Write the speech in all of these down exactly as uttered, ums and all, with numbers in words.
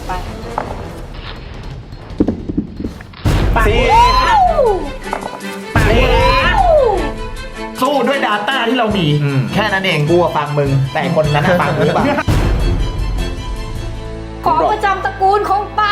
ไปสี่สี่สู้ด้วย Data ที่เรามี แค่นั้นเองกูฟังมึง แต่คนนั้นฟังหรือเปล่าของประจำตระกูลของป้า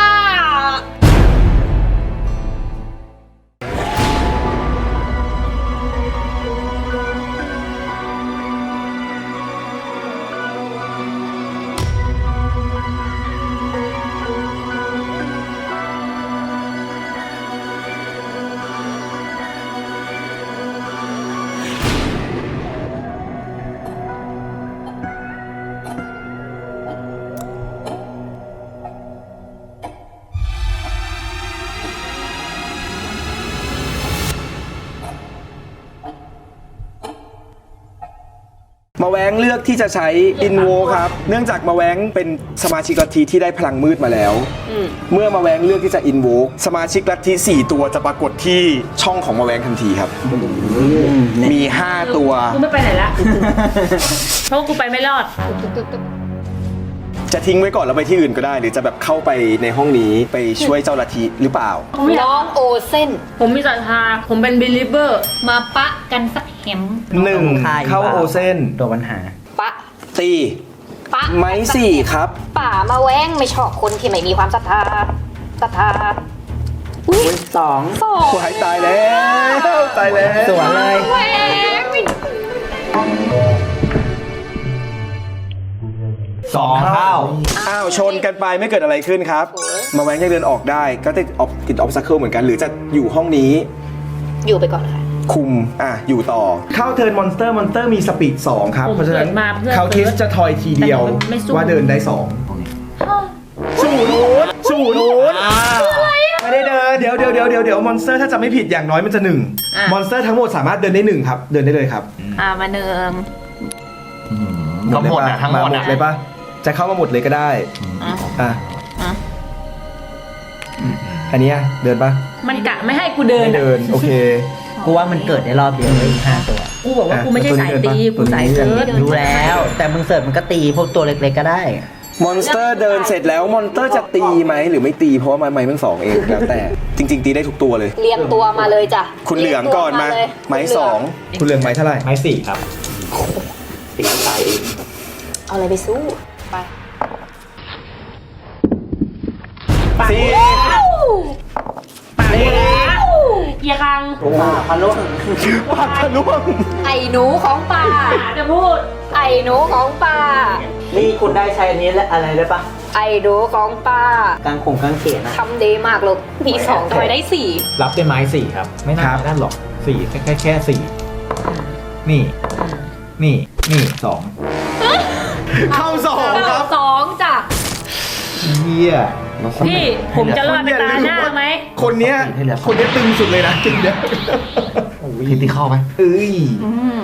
มาแว้งเลือกที่จะใช้อินโวครับเนื่องจากมาแว้งเป็นสมาชิกลัทธิที่ได้พลังมืดมาแล้วเมื่อมาแว้งเลือกที่จะอินโวสมาชิกลัทธิสี่ตัวจะปรากฏที่ช่องของมาแว้งทันทีครับมีห้าตัวกูไม่ไปไหนละเพราะกูไปไม่รอดจะทิ้งไว้ก่อนแล้วไปที่อื่นก็ได้ หรือจะแบบเข้าไปในห้องนี้ไปช่วยเจ้าลัทธิหรือเปล่าน้องโอเส้นผมมีศรัทธาผมเป็น believer มาปะกันสักแหมหนึ่งเข้าโอเซนตัวปัญหาปะตีปะไม้สี่ครับป่ามาแว้งไม่ชอบคนที่ไม่มีความศรัทธาศรัทธาอุ้ยสองสองหายตายแล้วตายแล้วสวนเลยแหว้งไม่สองเท่าอ้าวชนกันไปไม่เกิดอะไรขึ้นครับ มาแว้งยังเดินออกได้ก็ติดออกติดออบสตัคเคิลเหมือนกันหรือจะอยู่ห้องนี้อยู่ไปก่อนค่ะคุม อ่ะ อยู่ต่อ เข้าเทิร์นมอนสเตอร์ มอนสเตอร์มีสปีดสองครับผมเพราะฉะนั้นเกิดมาเพื่อเขาคิดจะทอยทีเดียวแต่ไม่สู้ว่าเดินได้สองสู่นูนสู่นูนไม่ได้เดิน เดี๋ยวเดี๋ยวเดี๋ยวเดี๋ยวเดี๋ยวมอนสเตอร์ถ้าจะไม่ผิดอย่างน้อยมันจะหนึ่งมอนสเตอร์ทั้งหมดสามารถเดินได้หนึ่งครับ เดินได้เลยครับอ่ามาเนืองก็หมดอ่ะทั้งหมดาอ่ะเลยปะจะเข้ามาหมดเลยก็ได้อ่ะอ่ะอ่ะอันเนี้ยเดินปะมันกะไม่ให้กูเดินไม่เดิน โอเคกูว่ามันเกิดในรอบเดียวเลยห้าตัวกูบอกว่ากูไม่ใช่สายตี กูสายเซิร์ชรู้แล้ว แต่มึงเสิร์ฟมันก็ตีพวกตัวเล็กๆก็ได้มอนสเตอร์เดินเสร็จแล้วมอนสเตอร์จะตีไหมหรือไม่ตีเพราะว่าไม้ไม้มันสองเองแล้วแต่จริง ๆ ตีได้ทุกตัวเลยเรียงตัวมาเลยจ้ะคุณเหลืองก่อนมาเรียงตัวไม้เลยสองคุณเหลืองไม้เท่าไหร่ไม้สี่ครับตีตายเองเอาอะไรไปสู้ไปสี่เอียคังพันลูกปากทะลุงไอ้หนูของป่าจะพูดไอ้หนูของป่านี่คุณได้ใช้อันนี้และอะไรได้ปะไอ้หนูของป่ากางขงกางเขนนะทำดีมากลูกมีสองทำไมได้สี่รับด้วยไม้สี่ครับ ไม่น่านั่นหรอกสี่แค่แค่แค่สี่นี่ นี่ นี่สองเข้าสองครับสองจ้ะเฮียพี่ผมจะรอดไปตาหน้าไหมคนเนี้ยคนเนี้ยตึงสุดเลยนะจริงเนี้ยคิดที่เข้าไหมเอ้ยอืม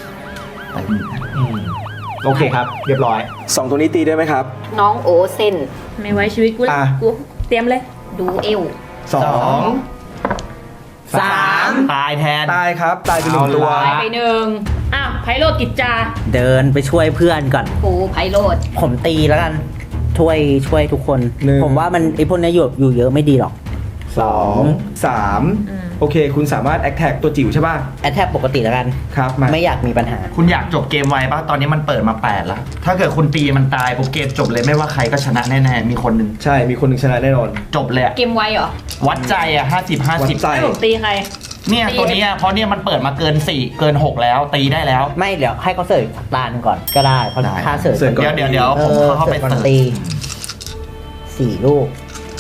โอเคครับ เรียบร้อยสองตัวนี้ตีได้ไหมครับน้องโอเซนไม่ไว้ชีวิตกูอ่ะกูเตรียมเลยดูเอวสองสามตายแทนตายครับ ตายไปหนึ่งตัวเอาตายละไปหนึ่งอ้าวไพโรดกิจจาเดินไปช่วยเพื่อนก่อนปูไพโรดผมตีแล้วกัน ช่วยช่วยทุกคนหนึ่งผมว่ามันไอพวกนี้อยู่อยู่เยอะไม่ดีหรอกสองสามโอเค คุณสามารถแอคแท็กตัวจิ๋วใช่ป่ะแอทแทกปกติแล้วกันครับมาไม่อยากมีปัญหาคุณอยากจบเกมไวปะตอนนี้มันเปิดมาแปดแล้ว ถ้าเกิดคุณตีมันตายปุ๊บเกมจบเลยไม่ว่าใครก็ชนะแน่ๆ มีคนหนึ่งใช่มีคนหนึ่งชนะแน่นอนจบเลยอะเกมไวเหรอวัดใจอะห้าสิบห้าวัสิบดใจให้ผมตีใครเนี่ยตัวเนี้ยเพราะเนี่ยมันเปิดมาเกินสี่เกินหกแล้วตีได้แล้วไม่เดี๋ยวให้เขาเสิร์ฟตาหนึ่งก่อนก็ได้เพราะได้ค่าเสิร์ฟเสิร์ฟก่อนเดี๋ยวเดี๋ยวเดี๋ยวผมเข้าไปก่อนเสิร์ฟตีสี่ลูก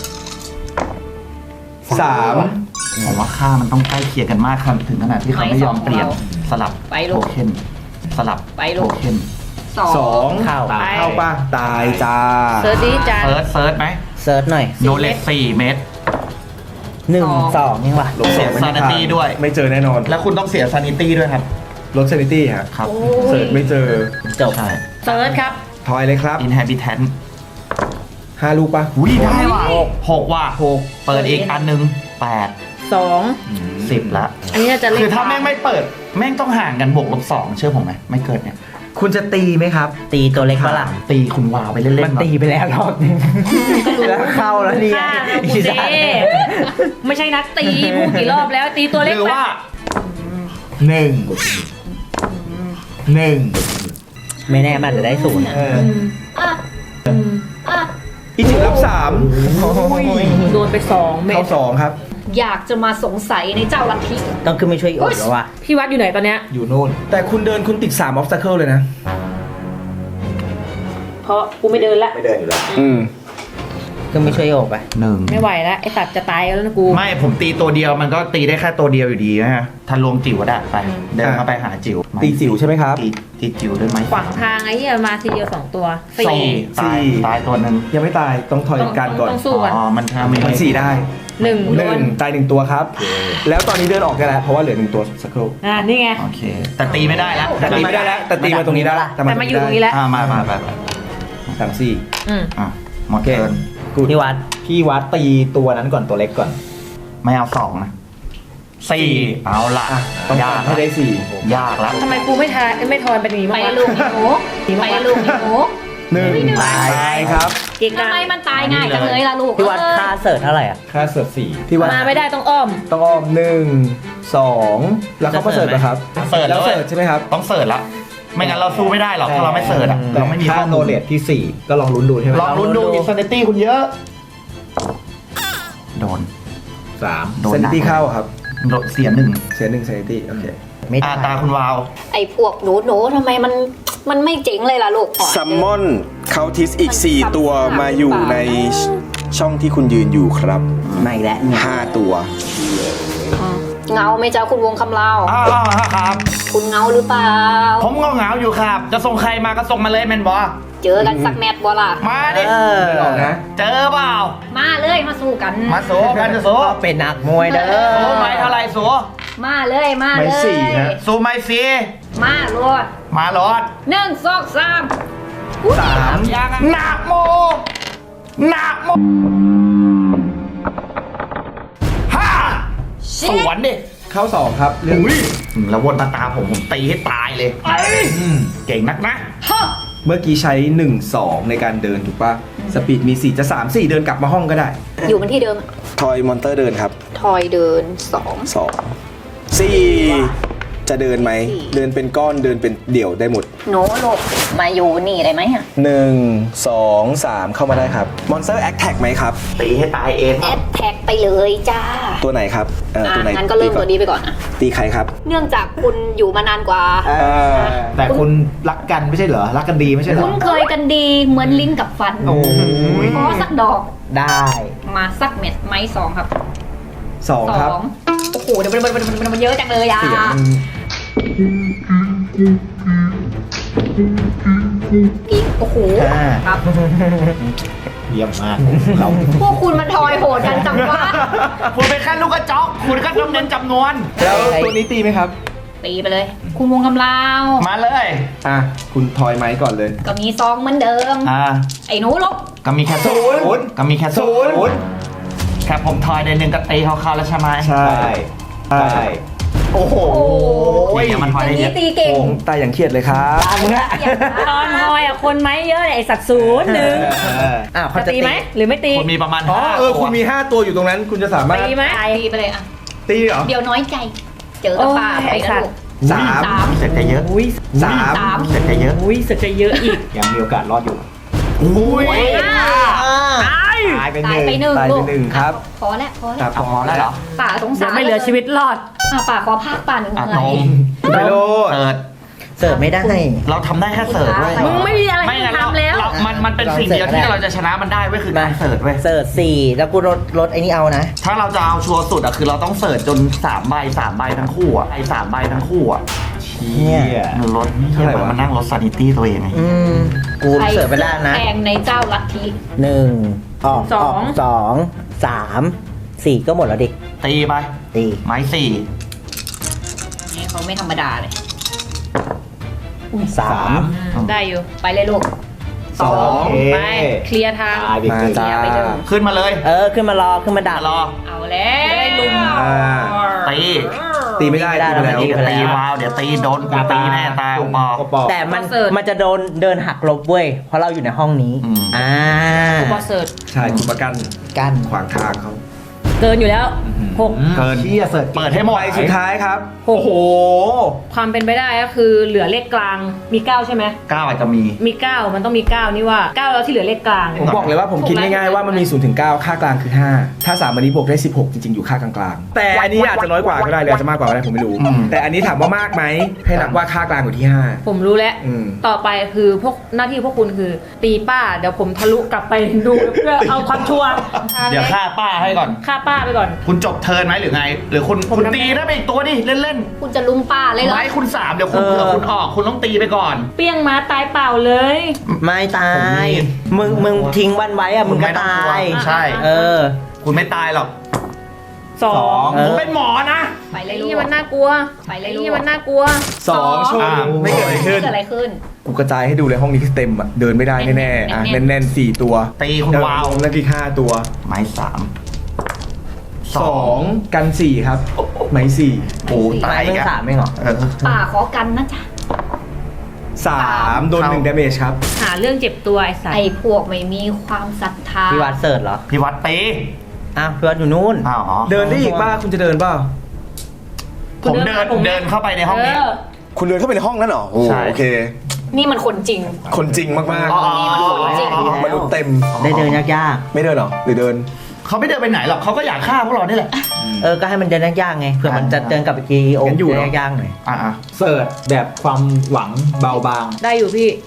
สามผมว่าค่ามันต้องใกล้เคียงกันมากครับถึงขนาดที่เขาไม่ยอมเปลี่ยนสลับไปลูโทกเค็นสลับไปลูโทกเค็นสองสองเข้าไปเข้าป่ะ ตายจ้าเซิร์ชดิจานเซิร์ชเซิร์ชไหมเซิร์ชหน่อยโนเลสสี่เมตรหนึ่งสองยังวะลบสองไม่เสีย sanity ด้วยไม่เจอแน่นอนแล้วคุณต้องเสียซานิตี้ด้วยครับลดซานิตี้ฮะครับเสิร์ชไม่เจอจบใช่เซิร์ชครับทอยเลยครับอินแฮบิแทนห้าลูกป่ะอุ้ยได้ว่ะหกว่ะหกเปิดอีกอันหนึงแปดสองสิบละอันนี้น่าจะเล่นคือถ้าแม่งไม่เปิด แม่งต้องห่างกันบวกลบสองเชื่อผมไหมไม่เกิดเนี่ยคุณจะตีไหมครับตีตัวเล็กฝรั่งตีคุณวาวไปเล่นๆมันหน่อยตีไปแล้วรอบนึงก็รู้แล้วเนี่ยฆ่ากูเซ่ไม่ใช่นักตีพูดกี่รอบแล้วตีตัวหเล็กรือไปว่าหนึ่งหนึ่งไม่แน่มันจะได้ศูนย์อะเอออ่ะอ่ะอีจิรับสามโดนไปสองเม็เข้าดสองครับอยากจะมาสงสัยในเจ้าลัทธิต้องขึ้นไปช่วยอีกอดแล้วว่ะพี่วัดอยู่ไหนตอนเนี้ยอยู่นู่นแต่คุณเดินคุณติดสาม obstacle เลยนะเพราะกูไม่เดินละไม่เดินอยู่แล้วอืมขึ้นไปช่วยโอบไปหนึ่งไม่ไหวแล้วไอสัตว์จะตายแล้วนะกูไม่ผมตีตัวเดียวมันก็ตีได้แค่ตัวเดียวอยู่ดีนะฮะทะลวงจิ๋วก็ได้ไป เดินเข้าไปหาจิ๋วตีจิ๋วใช่ไหมครับตีตีจิ๋วได้ไหมขวางทางไอ้เหี้ยมาทีเดียวสองตัวสี่ตายสี่ตายตัวหนึ่งยังไม่ตายต้องถอยต้องการก่อนต้องสู้ก่อนอ๋อมันทำมีมันสี่ได้หนึ่งหโดนึ่นงตายหนึ่งตัวครับ แล้วตอนนี้เดินออกได้แล้วเพราะว่าเหลือหนึ่งตัวสักครู่อ่านี่ไงโอเค แต่ตีไม่ได้แล้วแต่ตีไม่ได้แล้วแต่ตีมาตรงนี้ได้แต่มาอยู่ตรงนี้แล้วอ่ามามาไปไปสามสี่อืมอ่ะหมดเกินพี่วัดพี่วัดตีตัวนั้นก่อนตัวเล็กก่อน ไม่เอาสองนะสี่เอาละอ่ะต้องยากทำให้ได้สี่ยากละทำไมกูไม่ทายไม่ทอนเป็นอย่างนี้ไปบ้างวะลูกไอ้หนูไปลูกไอ้หนูหนึ่งตายครับเก่งทำจัง Dạ. ไมมันตายง่ายจังเลยล่ะลูกพี่วัดเออค่าเสิร์ชเท่าไหร่อ่ะค่าเสือสี่พี่วัดมาไม่ได้ต้องอ้อมต้องอ้อมหนึ่งสองแล้วเขาก็เสิร์ฟนะครับเสิร์ฟแล้วด้วยเสิร์ฟใช่ไหมครับต้องเสิร์ฟละไม่งั้นเราสู้ไม่ได้หรอกถ้าเราไม่เสิร์ฟอ่ะแต่เราไม่มีค่าข้อโนมูลเลตที่สี่ก็ลองลุ้นดูใช่ไหมลองลุ้นดูอินสแตนตี้คุณเยอะ โดนสามโดนเซนหนักตี้เข้าครับโดนเสียหนึ่งเสียหนึ่งเซนตี้โอเคไม่อ่าได้ตาคุณวาวไอ้พวกหนูหนูทำไมมันมันไม่เจ๋งเลยล่ะลูกซัมมอนเคาทิสอีก สี่ ตัวมาอยู่ในช่องที่คุณยืนอยู่ครับไม่แล้วเนี่ยห้าตัวเงาไหม่เจ้าคุณวงคำเล่าอ้าวครับคุณเงาหรือเปล่าผมก็เหงาอยู่ครับ จะส่งใครมาก็ส่งมาเลยแมนบอเจอกันสักแมตช์บ่ล่ะมาดิเออไม่ออกนะเจอเปล่ามาเลยมาสู้กันมาโซกันจะโซก็เป็นนักมวยเด้โซอไม่เท่าไรโซมาเลยมาไม่เลยสี่ฮะโซไม่สีมาโลดมาหลอดหนึ่งสองสามสามหนักโมหนักโมห้าสวนดิเข้าสองครับเรื่องอุ้ยแล้ววนตาตาผมผมตีให้ตายเลยอืมเก่งนักนะฮะเมื่อกี้ใช้หนึ่ง สองในการเดินถูกป่ะ สปีดมีสี่จะสาม สี่เดินกลับมาห้องก็ได้อยู่มันที่เดิมทอยมอนเตอร์เดินครับทอยเดินสองสองสี่จะเดินไหมสี่เดินเป็นก้อนเดินเป็นเดี่ยวได้หมดหนูลูกมาอยู่นี่ได้ไหมอะหนึ่ง สอง สามเข้ามาได้ครับมอนสเตอร์แอคแท็กไหมครับตีให้ตายเองแอดแท็กไปเลยจ้าตัวไหนครับเอ่ออ่ะตัวไหนงั้นก็เริ่มก่ตัอวนี้ไปก่อนนะตีใครครับเนื่องจากคุณอยู่มานานกว่าแต่คุณรักกันไม่ใช่เหรอ รักกันดีไม่ใช่เหรอคุ้นเคยกันดีเหมือนลิ้นกับฟันโอ้ยขอสักดอกได้มาสักเม็ดไม้สองครับสองครับโอ้โหเดี๋ยวมันมันมันมันมันเยอะจังเลยอ่ะเสียงมันกิ๊กโอ้โหห้าครับเยี่ยมมากเราพวกคุณมันทอยโหดกันจังวะคุณเป็นแค่ลูกกระจอกคุณก็ต้องเน้นจำนวนแล้วตัวนี้ตีไหมครับตีไปเลย คุณวงกำลาวมาเลยอ่ะ คุณทอยไม้ก่อนเลยก็มีซองเหมือนเดิมอ่าไอ้หนูลบก็มีแค่ศูนย์ก็มีแค่ศูนย์แค่ผมทอยในหนึ่งกตีเขาเข้าแล้วใช่ไหมใช่ใช่โอ้โหโอ้เดี๋ยวมันทอยอได้ย่างเยนี้อะตีเก่งโอ้ตายอย่างเครียดเลยครับตามมึงละตอนทอยอ่ะคนไหมเยอะเลยไอสัตว์ศูนย์หนึ่งอ้าวเขาจะจะตีตีไหมหรือไม่ตีคนมีประมาณอ๋อห้าเออตัวคุณมีห้าตัวอยู่ตรงนั้น คุณจะสามารถตีไหมตีไปเลยอ่ะตีเหรอเดี๋ยวน้อยใจ เจอกับป่าโอ้ยไปไอ้สันะตว์ลูกสามสามเสร็จจะเยอะอุ้ยสามสามเสร็จจะเยอะอุ้ยสึกจะเยอะอีกยังมีโอกาสรอดอยู่อุ้ยตายไปหตายนึ่งไปหนึ่งตายลูไปกหนึ่งครับพอแล้วพอคแล้รัวบเอาพอแล้วเหรอป่าสงสารเดี๋ยวไม่เหลือชีวิตรอดอ่ะป่าขอภาคป่าหนึ่งอ่ะเหนื่นอยมไม่โลดเสิร์ชเสิร์ฟไม่ได้เราทำได้แค่เสิร์ชเว้ยมึงไม่มีอะไรไม่ให้งั้นเราทำแล้วเรามันมันเป็นสิ่งเดียวที่เราจะชนะมันได้เว้ยคือการเสิร์ชเว้ยเสิร์ชสี่แล้วกูลดลดไอ้นี่เอานะถ้าเราจะเอาชัวร์สุดอะคือเราต้องเสิร์ชจนสามใบสามใบทั้งคู่อะไอ้สามใบทั้งคู่อะเนี่ยมันลดเที่ยเหมือนมันนั่งลดซานิตี้ตัวเองไงอืม กูเสิร์ฟไม่ได้นะแพงในเจ้าลัทธิหนึ่งออกสองกสองสามสี่ก็หมดแล้วดิตีไปตีไม้สี่นี่เขาไม่ธรรมดาเลยสามได้อยู่ไปเลยลูกสองไปเคลียร์ทางมาจ้าไปเลยขึ้นมาเลยเออ ขึ้นมารอ ขึ้นมาดักรอเอาแล้วได้ลุมอ่าตีตีไม่ได้ตีไม่ได้ตีไปแล้วตีไปแล้วตีวาวเดี๋ยวตีโดนกูตีแน่ตายโอปอโอปอแต่มันเสิร์ชมันจะโดนเดินหักลบเว้ยเพราะเราอยู่ในห้องนี้อืมอ่าอุปเสิร์ตใช่คุณประกันกันขวางทางเขาเกินอยู่แล้วหกเกินเชี่ยเสิร์ชเปิดให้หมดใบสุดท้ายครับโอ้โห ความเป็นไปได้ก็คือเหลือเลขกลางมีเก้าใช่ไหมเก้าอาจจะมีมีเก้ามันต้องมีเก้านี่ว่าเก้าแล้วที่เหลือเลขกลางผมบอกเลยว่าผมคิดง่ายๆว่ามันมีศูนย์ถึงเก้าค่ากลางคือห้าถ้าสามอันนี้บวกได้สิบหกจริงๆอยู่ค่ากลางๆแต่อันนี้อาจจะน้อยกว่าก็ได้หรืออาจจะมากกว่าก็ได้ผมไม่รู้อืมแต่อันนี้ถามว่ามากไหมให้นับว่าค่ากลางอยู่ที่ห้าผมรู้แล้วอืมต่อไปคือพวกหน้าที่พวกคุณคือ ตีป้าเดี๋ยวผมทะลุกลับไปดูเพื่อเอาความชัวร์เดี๋ยวฆ่าป้าให้ก่อนฆ่าป้าไปก่อนคุณจบเทิร์นไหมหรือไง หรือคุณผมคุณทำตีได้ไปอีกตัวดิเล่นคุณจะลุมป้าเลยๆเหรอไม้คุณสามเดี๋ยวคุณเออเผื่อคุณออกคุณต้องตีไปก่อนเปี้ยงม้าตายเปล่าเลยไม่ตาผมยมีมึงมึงทิ้งวันไว้อะมึงก็ไต้องตากลัวย ใช่เออคุณไม่ตายหรอกสองเออผมเป็นหมอนะไปเลยไอ้ลูนี่กมันน่ากลัวไปเลยไอ้ลูกนี่มันน่ากลัวสองชั่วอ่าไม่เกิดอะไรขึ้นเกิดอะไรขึ้นกูกระจายให้ดูเลยห้องนี้คือเต็มอ่ะเดินไม่ได้แน่ๆอ่ะแน่นๆแน่นๆสี่ตัวตีคุณวาวแล้วกี่ห้าตัวไม้สามสองกันสี่ครับไหมสี่โอ้ตายเรื่องกันสามไม่เหรอเออป่าขอกันนะจ๊ะสามโดนหนึ่งดาเมจครับหาเรื่องเจ็บตัวไอ้สัตไอ้ว์พวกไม่มีความศรัทธาพี่วัดเสิร์ชเหรอพี่วัดตีอ้าวพี่วัดอยู่นู่นอ้าวเหรอเดินได้อีกบ้าคุณจะเดินเปล่าผมเดินเดินเข้าไปในห้องนี้เออคุณเดินเข้าไปในห้องนั้นเหรอโอ้ใช่โอเคนี่มันคนจริงคนจริงมากอ๋อนี่มันของจริงๆมนุษย์เต็มได้เดินยากไม่เดินเหรอหรือเดินเขาไม่เดินไปไหนหรอกเขาก็อยากฆ่าพวกเรานี่แหละๆ เออ ก็ให้มันเดินยากๆไง เผื่อมันจะเดินกลับไปกีโองั้นอยู่เดิเนนอะยากๆหน่อยอ่ะเสิร์ชแบบความหวังเบาบางได้อยู่พี่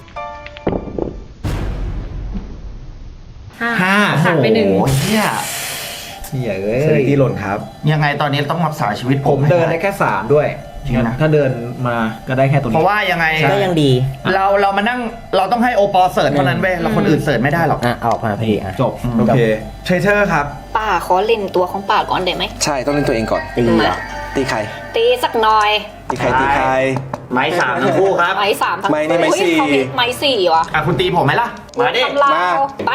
ห้าห้าหักไปหนึ่งโอ้โเฮียเหี้ยเอ้เซนิยตี้หล่นครับยังไงตอนนี้ต้องรักษาชีวิตผผมมเดินได้แค่สามด้วยจริงนะถ้าเดินมาก็ได้แค่ตัวเพนี้ราะว่ายังไงก็ยังดีเราเรามานั่งเราต้องให้โอปอเสิร์ชเท่านั้นเว้ยเราคนอื่นเสิร์ชไม่ได้หรอกอ่ะเอาออกมาพอดีอ่ะจบโอเคเทรเทอร์ครับป้าขอเล่นตัวของป้าก่อนได้ไหมใช่ต้องเล่นตัวเองก่อนตีมาอ่ะตีใครตีสักหน่อยตีใครตีใครไม้สามทั้งคู่ครับไม้สามทั้งไม้นี่ไม้อุ๊ยสี่เขามีไม้สี่วะอ่ะคุณตีผมไหมล่ะ มาดิตำราวมาไป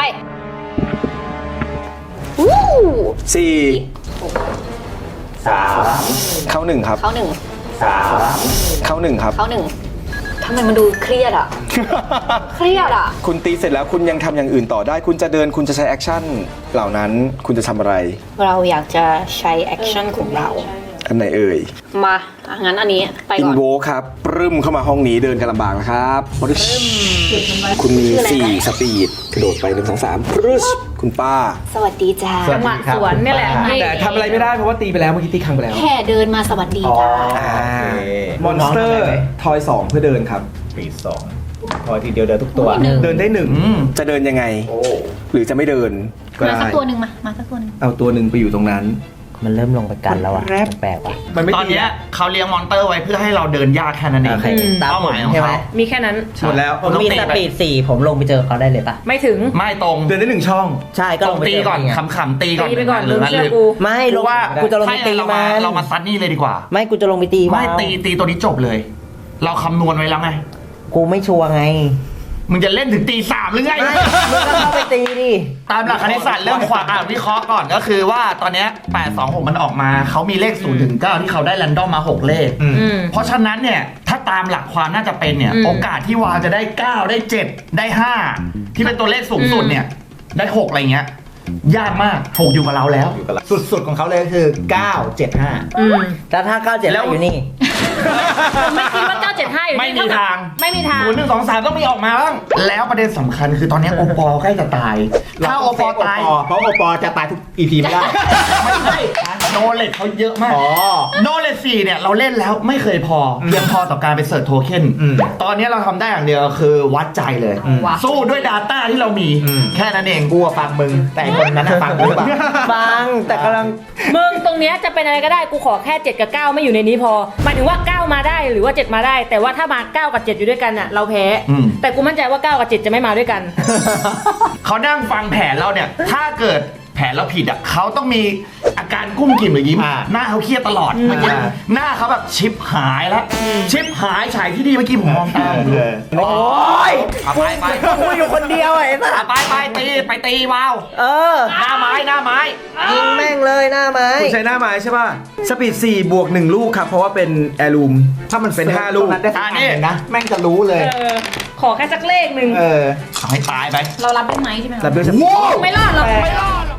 วู้สี่สามเข้าหนึ่งครับเขาหนึ่งสามเข้าหนึ่งครับเขาหนึ่งทำไมมันดูเครียดอ่ะ เครียดอ่ะคุณตีเสร็จแล้วคุณยังทำอย่างอื่นต่อได้ คุณจะเดินคุณจะใช้แอคชั่นเหล่านั้นคุณจะทำอะไรเราอยากจะใช้แอคชั่นของเราอันไหนเอ่ยมาอ่ะงั้นอันนี้ไปอิก่นอนโวครับปรึมเข้ามาห้องนี้เดินกันลำบากนะครับปรึชคุณมีชื่ออะไรนะสี่สปีดกระโดดไปหนึ่งสองสามปรึชคุณป้าสวัสดีจ้าจังหวะสวนเนี่ยแหละแต่ทำอะไรไม่ได้เพราะว่าตีไปแล้วเมื่อกี้ตีครั้งไปแล้วแค่เดินมาสวัสดีจ้ามอนสเตอร์ทอยสองเพื่อเดินครับปีสองพอทีเดียวเดินทุกตัวหนึ่งเดินได้หนึ่งอืมจะเดินยังไง หรือจะไม่เดินก็มาได้สักตัวหนึ่งมา มาสักตัวหนึ่งเอาตัวหนึ่งไปอยู่ตรงนั้นมันเริ่มลงไปกันแล้วอ่ะแรปแปลกๆว่ะมันไม่ตอนตีเนี้ยเขาเลี้ยงมอนเตอร์ไว้เพื่อให้เราเดินยากแค่นั้นเองโอเคตามเป้าหมายของใช่ไหมเขามีแค่นั้นหมดแล้วผมมีสปีดสี่ผมลงไปเจอเขาได้เลยปะไม่ถึงไม่ตรงเดินได้หนึ่งช่องใช่ก็ตลรง งไปตีเจอก่อนไงขำๆตีก่อนตีไปก่อนหรือมึงงั้นเชื่หอรือกูไม่ลเพงราะว่ากูจะลงไปตีเรามัมาน เรามาซัดนี่เลยดีกว่าไม่กูจะลงไปตีไม่วาวตีตีตัวนี้จบเลย เราคำนวณไว้แล้วไงกูไม่ชัวร์ไงมึงจะเล่นถึงตีสามหรือไงไม่มึงก็เข้าไปตีดิตามหลักคณิตศาสตร์เรื่องความอ่านวิเคราะห์ก่อนก็คือว่าตอนเนี้ยแปด สอง หกมันออกมาเขามีเลขศูนย์ถึงเก้าที่เขาได้แรนดอมมาหกเลขอืมอืมเพราะฉะนั้นเนี่ยถ้าตามหลักความน่าจะเป็นเนี่ยอืมโอกาสที่วาวจะได้เก้าได้เจ็ดได้ห้าที่เป็นตัวเลขสูงสุดเนี่ยได้หกอะไรเงี้ยยากมากหกอยู่กับเราแล้วอยู่กับเราสุดๆของเขาเลยก็คือเก้าเจ็ดห้าอืมแต่ถ้าเก้าเจ็ดแล้แล้ว วอยู่นี่ผมไม่คิดว่าเก้าเจ็ดห้าอยู่ไม่นี่มีเท่กับทางไม่มีทางศูนย์หนึ่งสองสามต้องมีออกมาบ้างแล้วประเด็นสำคัญคือตอนเนี้ยโอปอใกล้จะตายถ้าโอปอตายเพราะโอปอจะตายทุกอีพีไม่ได้ไม่ใช่โนเลตเขาเยอะมากอ๋อโนเลตสี่เนี่ยเราเล่นแล้วไม่เคยพอเพียงพอต่อการไปเสิร์ชโทเค็นอืมตอนนี้เราทำได้อย่างเดียวคือวัดใจเลยอืมสู้ด้วย Data ที่เรามีอืมแค่นั้นเองกูอะฟังมึง แต่ไอ้คนนั้นอะฟังกูหรือเปล่าฟังแต่กำลังมึงตรงเนี้ยจะเป็นอะไรก็ได้กูขอแค่เจ็ดกับเก้าไม่อยู่ในนี้พอหมายถึงว่าเก้ามาได้หรือว่าเจ็ดมาได้ แต่ว่าถ้ามาเก้ากับเจ็ดอยู่ด้วยกันอ่ะเราแพ้อืมแต่กูมั่นใจว่าเก้ากับเจ็ดจะไม่มาด้วยกันเขานั่งฟังแผนเราเนี่ย ถ้าเกิดแผนเราผิดอ่ะเขาต้องมีอาการกุ้มกิ่มหรือยิ้มอ่าหน้าเขาเครียดตลอดเมื่อกี้อ่าหน้าเขาแบบชิปหายแล้วชิปหายฉายที่ดีเมื่อกี้ผมมองตามเออโอ้ยเอาไปไปกูอยู่คนเดียวไอ้สัเอาสไปไปตีไปตีวาวเออหน้าไม้หน้าไม้ยิงแม่งเลยหน้าไม้คุณใช้หน้าไม้ใช่ป่ะ สปีดสี่บวกหนึ่งลูกครับ เพราะว่าเป็นแอร์ลูม ถ้ามันเป็นห้าลูกตรงนั้นได้สักอันหนึ่งนะ แม่งจะรู้เลยเออ ขอแค่สักเลขหนึ่งเออเอาให้ตายไปเรารับได้ไหมใช่ไหมรับด้วยสปีดไม่รอดหรอกไม่รอดหรอก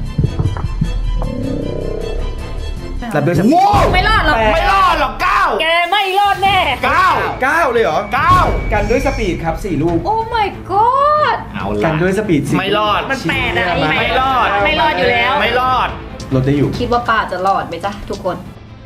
รับด้วยสปีดไม่รอดหรอกไม่รอดหรอกเก้าแกไม่รอดแน่เก้าเก้าเลยเหรอเก้ากันด้วยสปีดครับสี่ลูกโอ้ my god เอากัละนด้วยสปีดสี่ไม่รอดมันแปดอะไม่รอดไม่รอดอยู่แล้วไม่รอดลดได้อยู่คิดว่าป้าจะรอดไหมจ๊ะทุกคน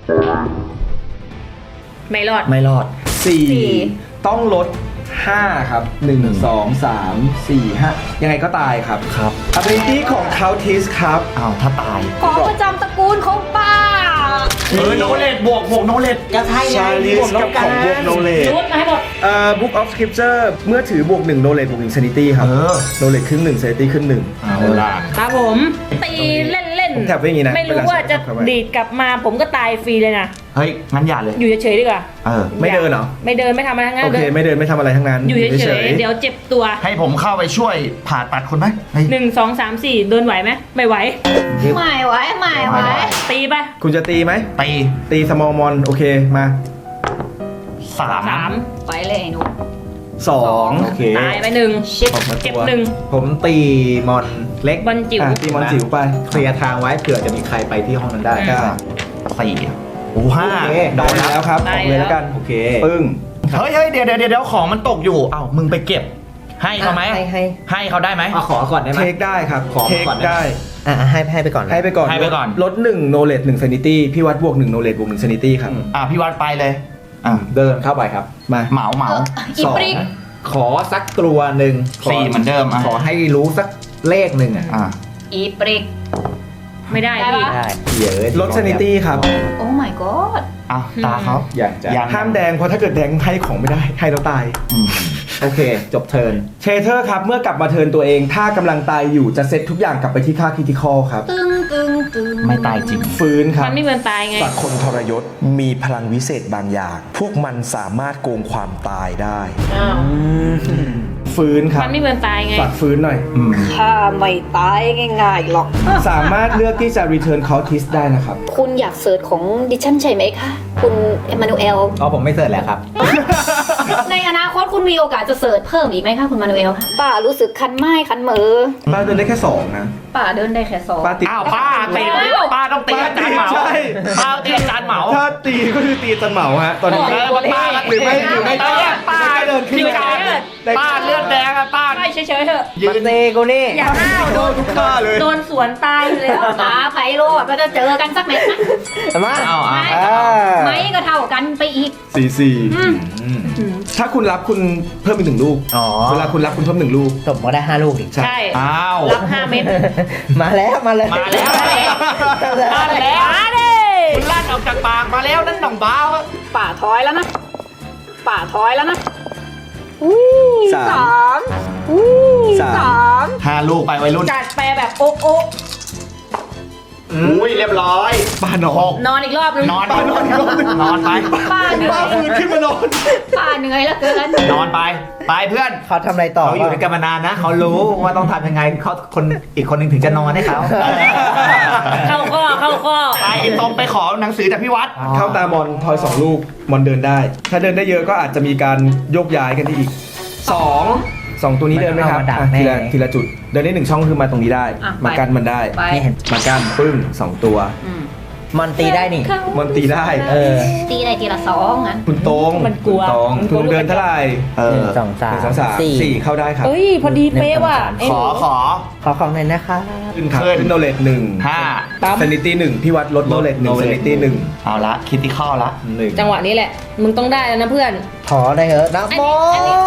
ไม่รอดไม่รอดสี่สี่ต้องลดห้าครับหนึ่งสองสามสี่ห้ายังไงก็ตายครับครับ ability ของ Countess ครับอ้าวถ้าตายของประจำตระกูลของป้าเออโนเลดบวกบวกโนเลดจะใช่ไง Charlize กับของบวก Knowledge รูดมาให้หมดเอ่อ Book of Scripture เมื่อถือบวกหนึ่ง knowledge บวกหนึ่ง sanity ครับเออ knowledge ครึ่งหนึ่ง sanity ครึ่งหนึ่งเอาล่ะครับผมตีเล่นผมแถบไว้อย่างงี้นะไม่รู้เวลาว่าจะเข้าไปดีดกลับมาผมก็ตายฟรีเลยนะเฮ้ย งั้นอย่าเลยอยู่เฉยๆดีกว่าเออไม่เดินเหรอไม่เดินไม่ทำอะไรทั้งนั้นโอเค ไม่เดินไม่ทำอะไรทั้งนั้นอยู่เฉยๆเดี๋ยวเจ็บตัวให้ผมเข้าไปช่วยผ่าตัดคนไหมเฮ้ยหนึ่งสองสามสี่เดินไหวไหมไม่ไหวไม่ไหวไม่ไหวตีไปคุณจะตีไหมตีตี small mon โอเคมาสามสามไปเลยไอ้หนูสองโอเคตายไปหนึ่งชิปออกมาเก็บตัวหนึ่งผมตีมอนเล็กบอลจิ๋วอ่ะตีมอนจิ๋วไปเคลียร์ทางไว้เผื่อจะมีใครไปที่ห้องนั้นได้อืมก็สี่โอ้ห้าโอเคได้แล้วครับได้ออกเลยแล้วแล้วกันโอเคปึ้งเฮ้ยเฮ้ยเดี๋ยวเดี๋ยวเดี๋ยวของมันตกอยู่เอ้ามึงไปเก็บ ให้เขาไหมให้ให้ให้เขาได้ไหมเอาขอก่อนได้ไหมเทคได้ครับขอเทคก่อนได้ได้อ่ะให้ให้ไปก่อนนะให้ไปก่อนให้ไปก่อนลดหนึ่ง knowledge หนึ่ง sanity พี่วัดบวกหนึ่ง knowledge บวกหนึ่ง sanity ครับอ่ะพี่วัดไปเลยอ่ะเดินเข้าไปครับมาเหมาเหมาอีปริกขอสักตัวหนึ่งขสี่เหมือนเดิมอ่ะขอให้รู้สักเลขหนึ่งอ่ะอ่ะอีปริกไม่ได้ได้พี่ปะได้เยอะลด sanity ครับโอ้ my god อ่ะตาเขาอยากจะยังห้ามแดงเพราะถ้าเกิดแดงให้ของไม่ได้ ให้แล้วตายอืมโอเค จบเทิร์นเชเทอร์ครับ เมื่อกลับมาเทิร์นตัวเอง ถ้ากำลังตายอยู่จะเซตทุกอย่างกลับไปที่ค่าคริติคอลครับตึงตึงตึงไม่ตายจริงฟื้นครับมันไม่เหมือนตายไงสัตว์คนทรยศมีพลังวิเศษบางอย่าง พวกมันสามารถโกงความตายได้อ้าวฟื้นครับมันไม่เหมือนตายไงสัตว์ฟื้นหน่อยอืมข้าไม่ตายง่ายๆหรอกสามารถเลือกที่จะ return cultist ได้นะครับคุณอยากเสิร์ชของดิฉันใช่ไหมคะ คุณเอมานูเอลอ๋อผมไม่เสิร์ชแล้วครับในอนาคตคุณมีโอกาสจะเสิร์ชเพิ่มอีกไหมคะคุณมานูเอลป้ารู้สึกคันไม้คันมือป้าเดินได้แค่สองนะป้าเดินได้แค่สองป้าติดอ้าวป้าตีป้าต้องตีอาจารย์เหมาใช่ป้าตีอาจารย์เหมาถ้าตีก็คือตีจันเหมาฮะ ตอนนี้เออป้าก็หรือไม่หรือไม่เออป้าเดินขึ้นพิไปการป้าเลือดแดงอะป้าไม่เฉยๆเถอะยืมันนเตกูนี่อย่าห้าวโดนทุกท่าเลยโดนสวนตายอยู่แล้วตาไพโรดเราจะเจอกันสักเม็ดไหมมาเอาอ่ะไม่ไม่ก็เท่ากันไปอีกสี่สี่อืมถ้าคุณรับคุณเพิ่มอีกหนึ่งลูกอ๋อเวลาคุณรับคุณเพิ่มหนึ่งลูกสมก็ได้ห้าลูกดิใช่ใช่อ้าวรับห้าเม็ดมาแล้วมาเลยมาแล้วมาแล้วมาแล้วมาดิคุณลั่นออกจากปากมาแล้วนั่นหน่องบ้าวอะป่าถอยแล้วนะ ป่าถอยแล้วนะอุ้ยสามสามอุ้ยสามสามห้าลูกไปวัยรุ่นจัดแปรแบบโอ๊ะโอ๊ะอุ้ยเรียบร้อยป้านอหนกนอนอีกรอบนึงนอนป้านอนอีกรอบหนึ่งนอนไปป้าเหนื่อป้าย ฟื้นขึ้นมานอนป้าเหนื่อยแล้วเกินนอนไป ไปเพื่อนเขาทำอะไรต่อเขาอยู่ด้วยกันมานานนะ เขารู้ว่าต้องทำยังไงเขาคนอีกคนหนึ่งถึงจะนอนให้เขาเข้าข้อเข้าข้อไปตรงไปขอหนังสือจากพี่วัดเข้าตามอนทอยสองลูกมอนเดินได้ ถ้าเดินได้เยอะก็อาจจะมีการโยกย้ายกันได้อีกสองสองตัวนี้เดินไหมครับมันเอามาดักอ่ะทีละแน่ทีละจุด เดินได้หนึ่งช่องคือมาตรงนี้ได้อ่ะมากันมันได้ไปไม่เห็นมากันปึ้งสองตัวอืมมันตีได้นี่มอนตีได้เออตีได้ทีละสองงั้นคุณตรงมันกลัวคุณตรงมันกลัคุวณเดินเท่าไหร่เอหอนึ่งสองสามหนึ่งสองสามสี่สี่เข้าได้ครับเอ้ย พอดีเป๊ะว่ะหนึ่งขอขอขอของหน่อยนะคะขึ้นครับขึ้นขึ้นโนเลตหนึ่งห้าปั๊มซนิตี้หนึ่งพี่วัดลดโนเลตหนึ่ง knowledge ซนิตี้หนึ่งเอาละคิดที่ข้อละหนึ่งจังหวะนี้แหละ มึงต้องได้แล้วนะเพื่อนขอได้เหรอนะโมอันนี้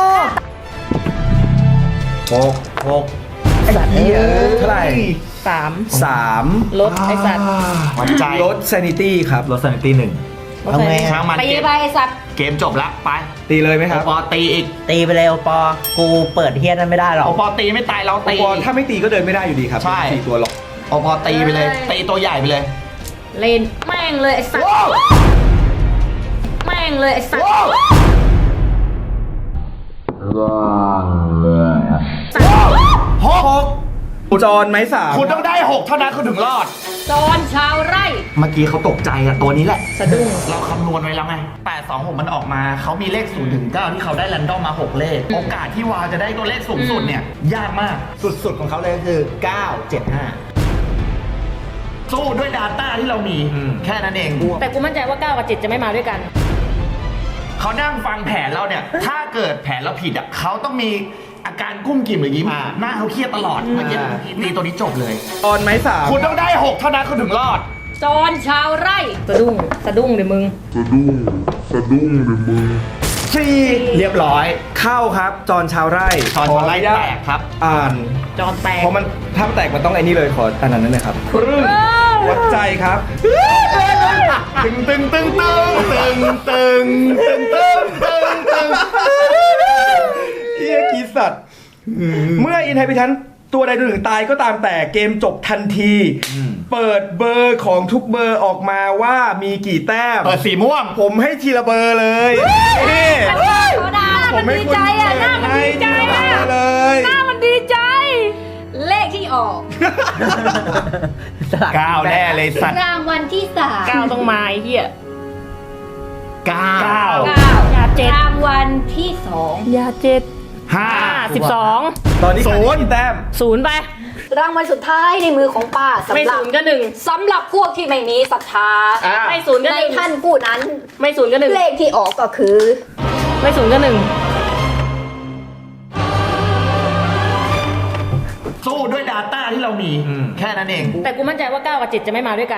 หกหกไอ้สัตว์เยเอ้อะยเท่าไหร่สามสามลดไอสัตว์วัดใจลดซนิตี้ครับลดสันติหนึ่งเอาไงช่างมันไปเกมไปไอสัตว์เกมจบละไปตีเลยไหมคโอรับปอตีอีกตีไปเลยโอปอ กูเปิดเฮียนั้นไม่ได้หรอกโอปอตีไม่ตายเราโอตีปอถ้าไม่ตีก็เดินไม่ได้อยู่ดีครับใช่สี่ตัวหรอกโอปอตีไปเลย ตีตัวใหญ่ไปเลยเล่นแม่งเลยไอ้สัตว์แม่งเลยไอ้สัตว์หกจอนไม้สามคุณต้องได้หกเท่านั้นคุณถึงรอดจอนชาวไร่เมื่อกี้เขาตกใจอะตัวนี้แหละสะดุ้งเราคำนวณไว้แล้วไงแปด สอง หกมันออกมา เขามีเลขศูนย์ถึงเก้าที่เขาได้แรนดอมมาหกเลข โอกาสที่วาวจะได้ตัวเลขสูงสุดเนี่ย ยากมากสุดๆของเขาเลยก็คือเก้า เจ็ด ห้าสู้ด้วย Data ที่เรามีอืมแค่นั้นเองแต่กูมั่นใจว่าเก้ากับเจ็ดจะไม่มาด้วยกันเขานั่งฟังแผนเราเนี่ย ถ้าเกิดแผนเราผิดอ่ะเขาต้องมีอาการกุ้มกิ่มหรือยิ้มอ่าหน้าเขาเครียดตลอดเมื่อกี้ตีตัวนี้จบเลยจอนไม้สามคุณต้องได้หกเท่านั้นคุณถึงรอดจอนชาวไร่ สะดุ้ง สะดุ้งเดี๋ยวมึงสี่เรียบร้อยเข้าครับ จอนชาวไร่จอนชาวไร่ขออนุญาแตกครับอ่านจอนแตกเพราะมันถ้าแตกมันต้องไอ้นี่เลยขออันนั้นนั่นเลยครับครึ่งวัดใจครับตึงตึงตึงตึงตึงตึงตึงตึงตึงตึงเอียกีสัตว์ เมื่ออินไฮพิทันตัวใดตัวหนึ่งตายก็ตามแต่เกมจบทันที เปิดเบอร์ของทุกเบอร์ออกมาว่ามีกี่แต้มเปิดสีม่วงผมให้ทีละเบอร์เลยนี่ธรรมดาผมัมนให้ดีคุณใจอ่ะหน้ามันให้ดีใจทีละอ่ะเบอร์เลยหน้ามันดีใจ เลขที่ออกเก้าแน่เลยสัตว์รางวัลที่สามเก้าต้องมาไอ้เหี้ยเก้าเก้าอย่าเจ็ดรางวัลที่สองอย่าเจ็ดห้าห้าสิบสองตอนนี้ศูนย์แต้มศูนย์ไปรางวัลสุดท้ายในมือของป้าไม่สำหรับศูนย์ก็หนึ่งสำหรับพวกที่ไม่มีศรัทธาอ่ะไม่ศูนย์ก็ในหนึ่งท่านผู้นั้นไม่ศูนย์ก็หนึ่งเลขที่ออกก็คือไม่ศูนย์ก็หนึ่งสู้ด้วย Data ที่เรามีอืมแค่นั้นเองแต่กูมั่นใจว่าเก้ากับเจ็ดจะไม่มาด้วยกัน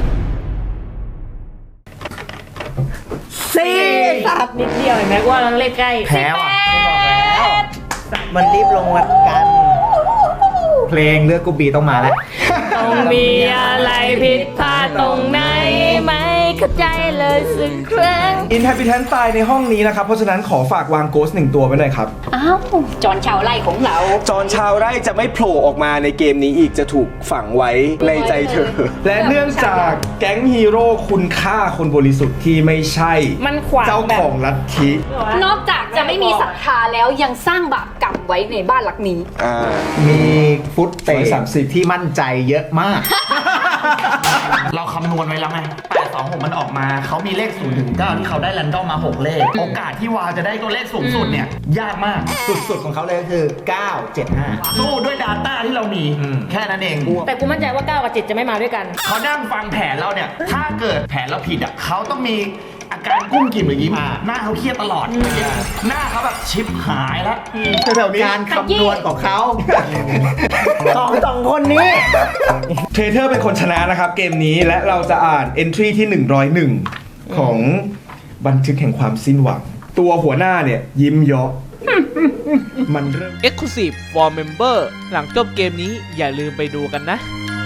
สี่สัตว์นิดเดียวเห็นไหมว่าเราเลขใกล้แพ้ว่ะมันรีบลงวัดกันเพลงเลือกกูบีต้องมาแล้วต้องมีอะไรผิดพลาดตรงไหนไม่เข้าใจเลยสักครั้งอินไฮพิทันตายในห้องนี้นะครับ เพราะฉะนั้นขอฝากวางโกสหนึ่งตัวไว้หน่อยครับอ้าว จอนชาวไร่ของเราจอนชาวไร่จะไม่โผล่ออกมาในเกมนี้อีกจะถูกฝังไว้ในใจเธอ และเนื่องจากแก๊งฮีโร่คุณค่าคนบริสุทธิ์ที่ไม่ใช่มันขวางเจ้าแบบของลัทธินอกจากจะไม่มีศรัทธาแล้วยังสร้างบาปกรรมไว้ในบ้านหลังนี้อ่ามีฟุตเตะสามสิบที่มั่นใจเยอะมากเราคำนวณไว้แล้วไงแปด สอง หกมันออกมา เขามีเลขศูนย์ถึงเก้าที่เขาได้แรนดอมมาหกเลข โอกาสที่วาวจะได้ตัวเลขสูงสุดเนี่ย ยากมากสุดๆของเขาเลยก็คือเก้า เจ็ด ห้าสู้ด้วย Data ที่เรามีอืมแค่นั้นเองแต่กูมั่นใจว่าเก้ากับเจ็ดจะไม่มาด้วยกันเขานั่งฟังแผนเราเนี่ย ถ้าเกิดแผนเราผิดอ่ะเขาต้องมีอาการกุ้มกิ่มหรือยิ้มอ่าหน้าเขาเครียดตลอดเมื่อกี้หน้าเขาแบบชิปหายแล้วแถวๆนี้การคำนวณของเขา สองสองคนนี้เทรเทอร์เป็นคนชนะนะครับเกมนี้และเราจะอ่าน entry ที่หนึ่งร้อยเอ็ดของบันทึกแห่งความสิ้นหวัง ตัวหัวหน้าเนี่ยยิ้มเยาะ มันเริ่ม Exclusive for Member หลังจบเกมนี้อย่าลืมไปดูกันนะ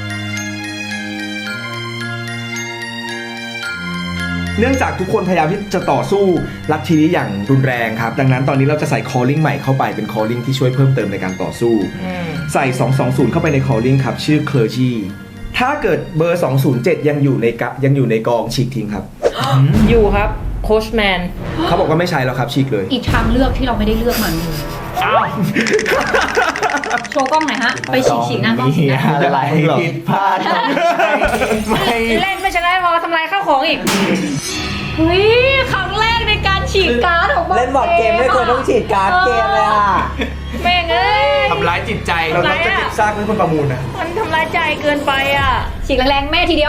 เนื่องจากทุกคนพยายามที่จะต่อสู้ลัทธินี้อย่างรุนแรงครับ ดังนั้นตอนนี้เราจะใส่ calling ใหม่เข้าไปเป็น calling ที่ช่วยเพิ่มเติมในการต่อสู้ ใส่ สองสองศูนย์ เข้าไปใน calling ครับ ชื่อ clergy ถ้าเกิดเบอร์ สองศูนย์เจ็ด ยังอยู่ในกะยังอยู่ในกองฉีกทิ้งครับอยู่ครับโคชแมนเขาบอกว่าไม่ใช่แล้วครับฉีกเลยอีกทางเลือกที่เราไม่ได้เลือกมันโชว์กล้องหน่อยฮะ ไปฉีกฉีกหน้ากล้องฉีกหน้ากล้องอะไรผิดพลาดไม่เล่นไม่ชนะพอทำลายข้าวของอีกเฮ้ยครั้งแรกในการฉีกการ์ดของบอร์ดเล่นบอร์ดเกมไม่ควรต้องฉีดการ์ดเกมเลยอ่ะแม่งเอ้ยทำร้ายจิตใจเราต้องจะเก็บซากไว้คนประมูลนะมันทำร้ายใจเกินไปอ่ะฉีกแรงๆแม่ทีเดียว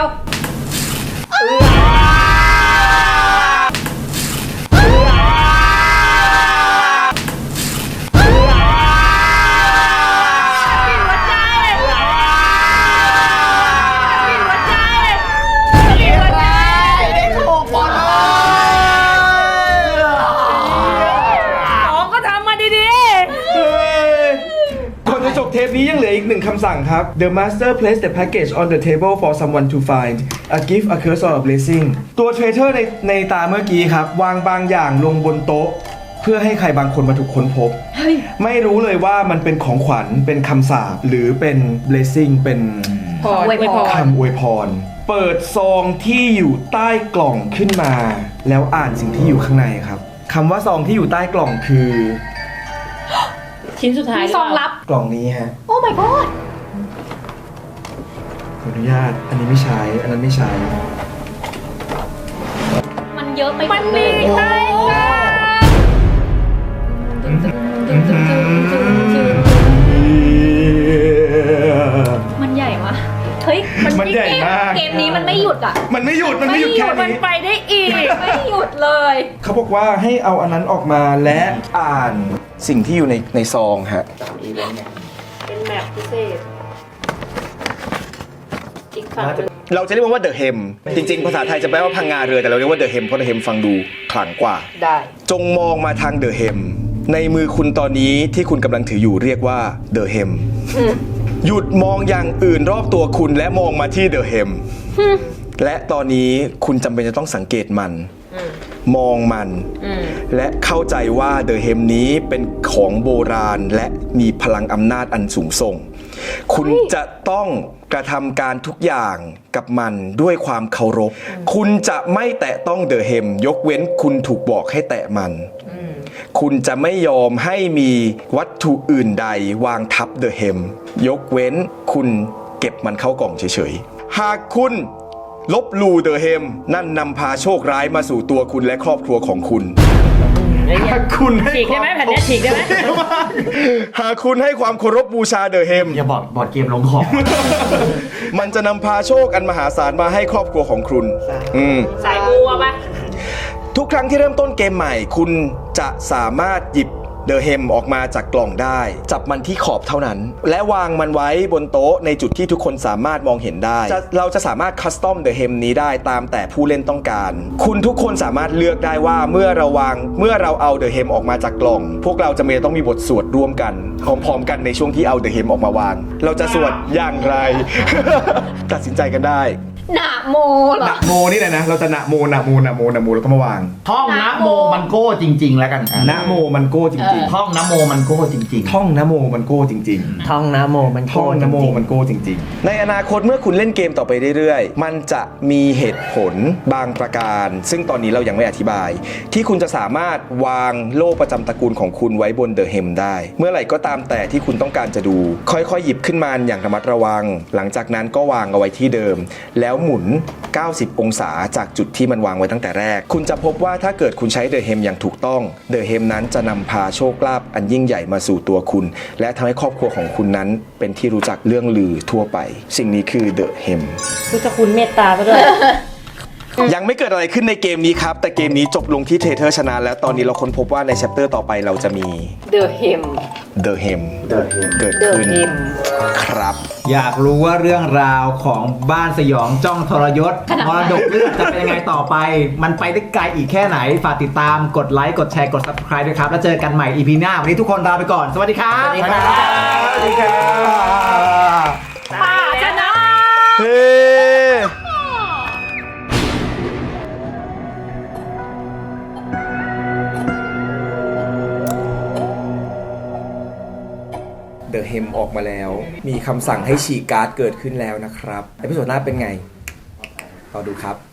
ของก็ทำมาดีก่อนจะจบเทปนี้ยังเหลืออีกหนึ่งคำสั่งครับ The master place the package on the table for someone to find a gift a curse or a blessing ตัวเทรเทอร์ในในตาเมื่อกี้ครับ วางบางอย่างลงบนโต๊ะ เพื่อให้ใครบางคนมาถูกค้นพบ ไม่รู้เลยว่ามันเป็นของขวัญเป็นคำสาปหรือเป็น blessing เป็นพออวยพรคำอวยพร เปิดซองที่อยู่ใต้กล่องขึ้นมา แล้วอ่านสิ่งที่อยู่ข้างในครับคำว่าซองที่อยู่ใต้กล่องคือชิ้นสุดท้ายมีซองลับกล่องนี้ฮะโอ้ my god ขออนุญาตอันนี้ไม่ใช้อันนั้นไม่ใช้มันเยอะไปหมันเลมียใต้กล่องมันใหญ่วะเฮ้ยมันใหญ่มากเกมนี้มันไม่หยุดอ่ะมันไม่หยุดมันไม่หยุดแค่มันนี้ไปได้อีกไม่หยุดเลยเขาบอกว่าให้เอาอันนั้นออกมาและอ่านสิ่งที่อยู่ในในซองฮะเป็นแมปพิเศษอีกฝั่งหนึ่งเราจะเรียกมันว่าเดอะเฮมจริงๆ ภาษาไทยจะแปลว่าพังงาเรือแต่เราเรียกว่าเดอะเฮมเพราะเดอะเฮมฟังดูขลังกว่าได้จงมองมาทางเดอะเฮมในมือคุณตอนนี้ที่คุณกำลังถืออยู่เรียกว่าเดอะเฮมหยุดมองอย่างอื่นรอบตัวคุณและมองมาที่เดอะเฮมและตอนนี้คุณจำเป็นจะต้องสังเกตมัน มองมัน และเข้าใจว่าเดอะเฮมนี้เป็นของโบราณและมีพลังอำนาจอันสูงส่ง คุณจะต้องกระทำการทุกอย่างกับมันด้วยความเคารพ คุณจะไม่แตะต้องเดอะเฮมยกเว้นคุณถูกบอกให้แตะมัน คุณจะไม่ยอมให้มีวัตถุอื่นใดวางทับเดอะเฮมยกเว้นคุณเก็บมันเข้ากล่องเฉยๆ หากคุณลบหลู่เดอะเฮมนั่นนำพาโชคร้ายมาสู่ตัวคุณและครอบครัวของคุณ หากคุณให้ฉีกได้ไหมแผ่นเนี้ยฉีกได้ไหมหากคุณให้ความเคารพบูชาเดอะเฮมอย่าบอกบอร์ดเกมลงของมันจะนำพาโชคอันมหาศาลมาให้ครอบครัวของคุณอืมสายมูอะปะทุกครั้งที่เริ่มต้นเกมใหม่ คุณจะสามารถหยิบเดอะเฮมออกมาจากกล่องได้ จับมันที่ขอบเท่านั้น และวางมันไว้บนโต๊ะในจุดที่ทุกคนสามารถมองเห็นได้จะเราจะสามารถคัสตอมเดอะเฮมนี้ได้ตามแต่ผู้เล่นต้องการ คุณทุกคนสามารถเลือกได้ว่าเมื่อเราวางเมื่อเราเอาเดอะเฮมออกมาจากกล่อง พวกเราจะมีต้องมีบทสวดร่วมกันพร้อมๆกันในช่วงที่เอาเดอะเฮมออกมาวาง เราจะสวดอย่างไร ตัดสินใจกันได้หนาโมเหรอนะโมนี่แหละนะเราจะนะโมนะโมนะโมนะโมแล้วก็มาวางท่องนะโมมันโก้จริง ๆ แล้วกันอ่ะนะโมมันโก้จริงท่องนะโมมันโก้จริงๆ ท่องนะโมมันโก้จริงท่องนะโมมันๆโกท่องนะโมจริงๆมันโก้จริงๆ ในอนาคตเมื่อคุณเล่นเกมต่อไปเรื่อยๆ มันจะมีเหตุผลบางประการ ซึ่งตอนนี้เรายังไม่อธิบาย ที่คุณจะสามารถวางโล่ประจำตระกูลของคุณไว้บนเดอะเฮมได้ เมื่อไหร่ก็ตามแต่ที่คุณต้องการจะดู ค่อยๆหยิบขึ้นมาอย่างระมัดระวัง หลังจากนั้นก็วางเอาไว้ที่เดิม แล้วหมุนเก้าสิบองศาจากจุดที่มันวางไว้ตั้งแต่แรก คุณจะพบว่าถ้าเกิดคุณใช้เดอะเฮมอย่างถูกต้องเดอะเฮมนั้นจะนำพาโชคลาภอันยิ่งใหญ่มาสู่ตัวคุณ และทำให้ครอบครัวของคุณนั้นเป็นที่รู้จักเรื่องลือทั่วไป สิ่งนี้คือเดอะเฮมพุทธคุณเมตตาซะด้วยยังไม่เกิดอะไรขึ้นในเกมนี้ครับ แต่เกมนี้จบลงที่เทเทอร์ชนะแล้วตอนนี้เราค้นพบว่าในแชปเตอร์ต่อไปเราจะมี The Hem The Hem เกิด The ขึ้น Hem ครับอยากรู้ว่าเรื่องราวของบ้านสยองจ้องทรยศมรดกเลือดจะเป็นยังไงต่อไป มันไปได้ไกลอีกแค่ไหน ฝากติดตามกดไลค์กดแชร์กด Subscribe ด้วยครับ แล้วเจอกันใหม่ อี พี หน้า วันนี้ทุกคนลาไปก่อน สวัสดีครับสวัสดีครับสวัสดีครับป้าชนะเฮ้ เดอะเฮมออกมาแล้ว มีคำสั่งให้ฉีกการ์ดเกิดขึ้นแล้วนะครับเอพิโซดหน้าเป็นไงรอดูครับ